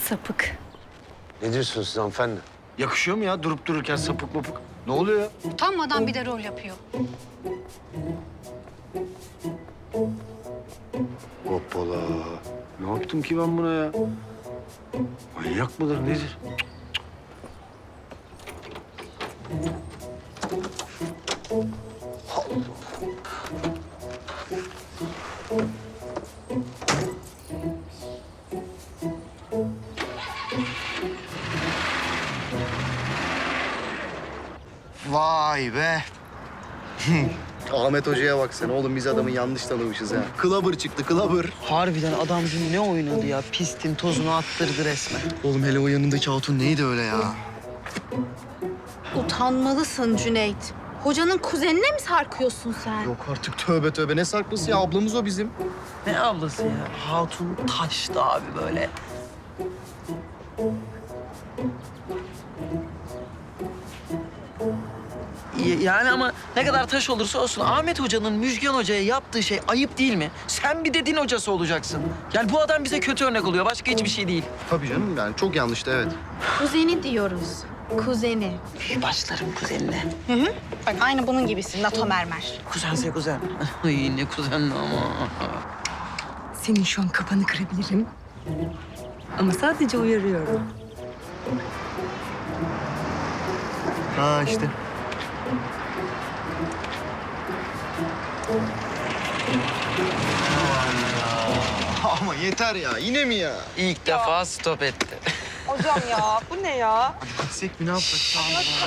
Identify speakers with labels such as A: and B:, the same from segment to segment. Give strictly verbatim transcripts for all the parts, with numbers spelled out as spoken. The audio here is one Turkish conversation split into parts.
A: Sapık.
B: Ne diyorsunuz siz hanımefendi? Yakışıyor mu ya durup dururken sapık mapık? Ne oluyor ya?
A: Utanmadan bir de rol yapıyor.
B: Hoppala. Ne yaptım ki ben buna ya? Manyak mıdır nedir?
C: Vay be. Ahmet Hoca'ya bak sen. Oğlum biz adamı yanlış tanımışız ha. Kılabır çıktı, kılabır.
D: Harbiden adam dün ne oynadı ya? Pistin tozunu attırdı resmen.
C: Oğlum hele o yanındaki hatun neydi öyle ya?
E: Utanmalısın Cüneyt. Hocanın kuzenine mi sarkıyorsun sen?
C: Yok artık tövbe tövbe. Ne sarkması ya? Ablamız o bizim.
D: Ne ablası ya? Hatun taştı abi böyle. Y- Yani ama ne kadar taş olursa olsun Ahmet Hoca'nın Müjgan Hoca'ya yaptığı şey ayıp değil mi? Sen bir de din hocası olacaksın. Yani bu adam bize kötü örnek oluyor. Başka hiçbir şey değil.
C: Tabii canım yani çok yanlıştı evet.
E: Kuzeni diyoruz. Kuzeni.
D: Başlarım kuzenine.
E: Bak aynı bunun gibisin NATO mermer.
D: Kuzense kuzen. Ay ne kuzenli ama.
A: Senin şu an kafanı kırabilirim. Ama sadece uyarıyorum.
C: Ha işte. Ama yeter ya. Yine mi ya?
D: İlk defa stop etti.
F: Hocam ya bu ne ya?
C: Gitsek mi ne yapsak?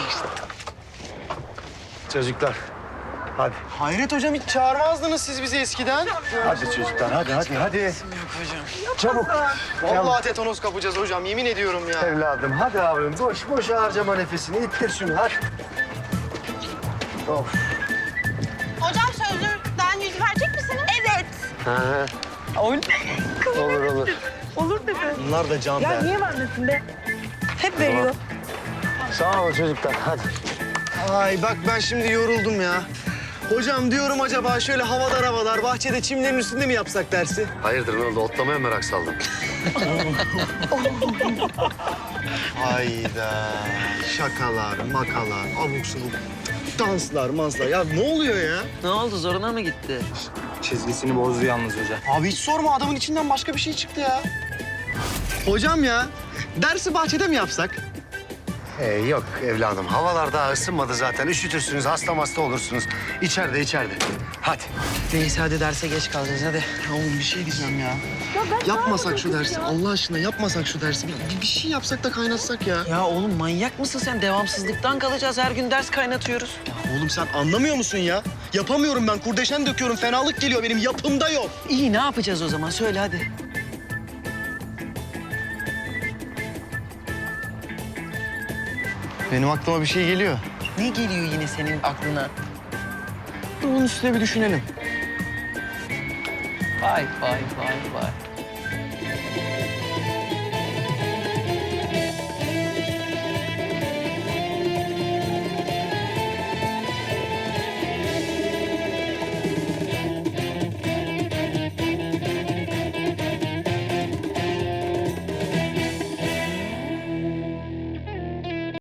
B: Çocuklar. Hadi.
C: Hayret hocam hiç çağırmazdınız siz bizi eskiden.
B: Hadi çocuklar hadi hadi hadi.
D: Yok hocam.
B: Çabuk.
C: Vallahi tetanos kapacağız hocam. Yemin ediyorum ya.
B: Evladım hadi abim. Boş boş harcama nefesini. İttir şunu hadi. Of.
E: Hocam sözlüden yüz verecek misiniz? Evet.
B: Ha,
D: Oyun.
B: olur olur.
F: Olur dedi.
C: Bunlar da can
F: Ya
C: be.
F: niye vermesin be? Hep veriyor.
B: Sağ olun çocuklar hadi.
C: Ay bak ben şimdi yoruldum ya. Hocam diyorum acaba şöyle havadar havadar bahçede çimlerin üstünde mi yapsak dersi?
B: Hayırdır ne oldu? Otlamaya merak saldım.
C: Hayda. Şakalar, makalar, abuk subuk danslar, manslar. Ya ne oluyor ya?
D: Ne oldu zoruna mı gitti?
C: Çizgisini bozdu yalnız hocam. Abi hiç sorma adamın içinden başka bir şey çıktı ya. Hocam ya dersi bahçede mi yapsak?
B: Ee, yok evladım. Havalar daha ısınmadı zaten. Üşütürsünüz, hasta hasta olursunuz. İçeride, içeride. Hadi.
D: Neyse hadi derse geç kalacağız hadi.
C: Ya oğlum bir şey diyeceğim ya. Yapmasak şu dersi Allah aşkına yapmasak şu dersi. Bir, bir şey yapsak da kaynatsak ya.
D: Ya oğlum manyak mısın sen? Devamsızlıktan kalacağız. Her gün ders kaynatıyoruz.
C: Oğlum sen anlamıyor musun ya? Yapamıyorum ben kurdeşen döküyorum fenalık geliyor benim yapımda yok.
D: İyi ne yapacağız o zaman? Söyle hadi.
C: Benim aklıma bir şey geliyor.
D: Ne geliyor yine senin aklına?
C: Onun üstüne bir düşünelim.
D: Vay vay vay vay.